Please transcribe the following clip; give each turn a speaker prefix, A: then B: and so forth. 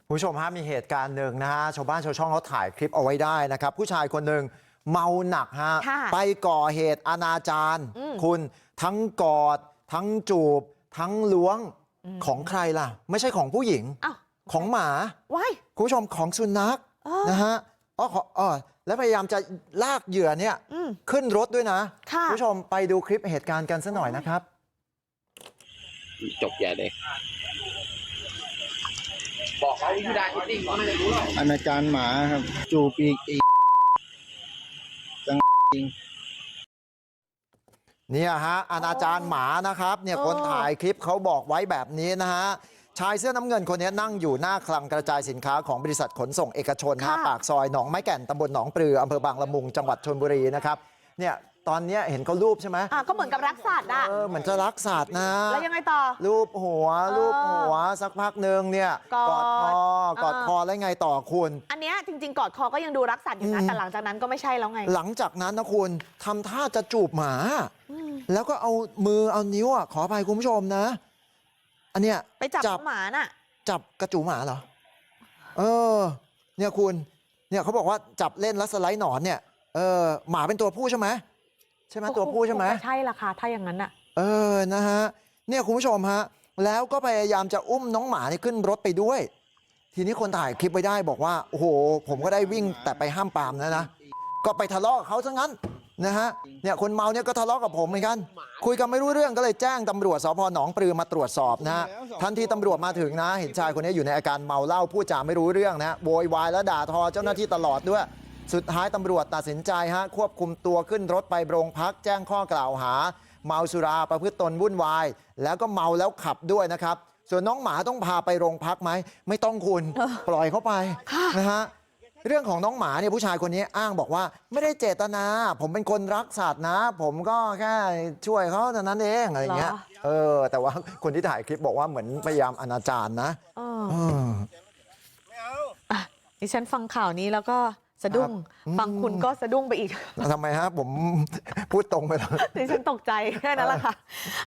A: คุณผู้ชมฮะมีเหตุการณ์หนึ่งนะฮะชาวบ้านชาวช่องเขาถ่ายคลิปเอาไว้ได้นะครับผู้ชายคนหนึ่งเมาหนักฮะไปก่อเหตุอนาจารคุณทั้งกอดทั้งจูบทั้งล้วงของใครล่ะไม่ใช่ของผู้หญิงของหมาคุณผู้ชมของสุนัขนะฮะแล้วพยายามจะลากเหยื่อเนี่ยขึ้นรถด้วยนะคุณผู้ชมไปดูคลิปเหตุการณ์กันสักหน่อยนะครับ
B: จบใหญ่เลยบอกเขาวิธีการคิดดิ้งเขาไม่ได้รู้หรอก
C: อนาจารหมาครับจูบอีกจังจริง
A: เนี่ยฮะอนาจารหมานะครับเนี่ยคนถ่ายคลิปเขาบอกไว้แบบนี้นะฮะชายเสื้อน้ำเงินคนนี้นั่งอยู่หน้าคลังกระจายสินค้าของบริษัทขนส่งเอกชนปากซอยหนองไม้แก่นตำบลหนองปลืออำเภอบางละมุงจังหวัดชลบุรีนะครับเนี่ยตอนนี้เห็นเขารูปใช่ไหม
D: ก็เหมือนกับรักสัตว์อ่ะ
A: เหมือนจะรักสัตว์นะ
D: แล้วยังไงต่อ
A: รูปหัวสักพักหนึ่งเนี่ยกอดคอแล้วไงต่อคุณ
D: อันเนี้ยจริงๆกอดคอก็ยังดูรักสัตว์อยู่นะแต่หลังจากนั้นก็ไม่ใช่แล้วไง
A: หลังจากนั้นนะคุณทำท่าจะจูบหมาแล้วก็เอามือเอานิ้วขออภัยคุณผู้ชมนะอันเนี้ย
D: ไปจับหมาน่ะ
A: จับกระจูหมาเหรอเนี่ยคุณเนี่ยเขาบอกว่าจับเล่นแล้วสไลด์หนอนเนี่ยหมาเป็นตัวผู้ใช่ไหมตัวผู้ใช่ไหม
D: ใช่ละค่ะถ้าอย่างนั้นอ่ะ
A: นะฮะเนี่ยคุณผู้ชมฮะแล้วก็พยายามจะอุ้มน้องหมานี่ขึ้นรถไปด้วยทีนี้คนถ่ายคลิปไว้ได้บอกว่าโอ้โหผมก็ได้วิ่งแต่ไปห้ามปรามนะก็ไปทะเลาะกับเขาซะงั้นนะฮะเนี่ยคนเมาเนี่ยก็ทะเลาะกับผมเหมือนกันคุยกันไม่รู้เรื่องก็เลยแจ้งตำรวจสพหนองปลือมาตรวจสอบนะฮะทันทีตำรวจมาถึงนะเห็นชายคนนี้อยู่ในอาการเมาเหล้าพูดจาไม่รู้เรื่องนะโวยวายและด่าทอเจ้าหน้าที่ตลอดด้วยสุดท้ายตำรวจตัดสินใจควบคุมตัวขึ้นรถไปโรงพักแจ้งข้อกล่าวหาเมาสุราประพฤติตนวุ่นวายแล้วก็เมาแล้วขับด้วยนะครับส่วนน้องหมาต้องพาไปโรงพักไหมไม่ต้องคุณปล่อยเขาไปนะฮะเรื่องของน้องหมาเนี่ยผู้ชายคนนี้อ้างบอกว่าไม่ได้เจตนาผมเป็นคนรักสัตว์นะผมก็แค่ช่วยเขาเท่านั้นเองอะไรเงี้ยแต่ว่าคนที่ถ่ายคลิปบอกว่าเหมือนพยายามอนาจารนะ
D: ดิฉันฟังข่าวนี้แล้วก็สะดุ้งฟังคุณก็สะดุ้งไปอีก
A: ทำไมฮะผมพูดตรงไปแล้ว
D: ดิฉันตกใจแค่นั้นแหละค่ะ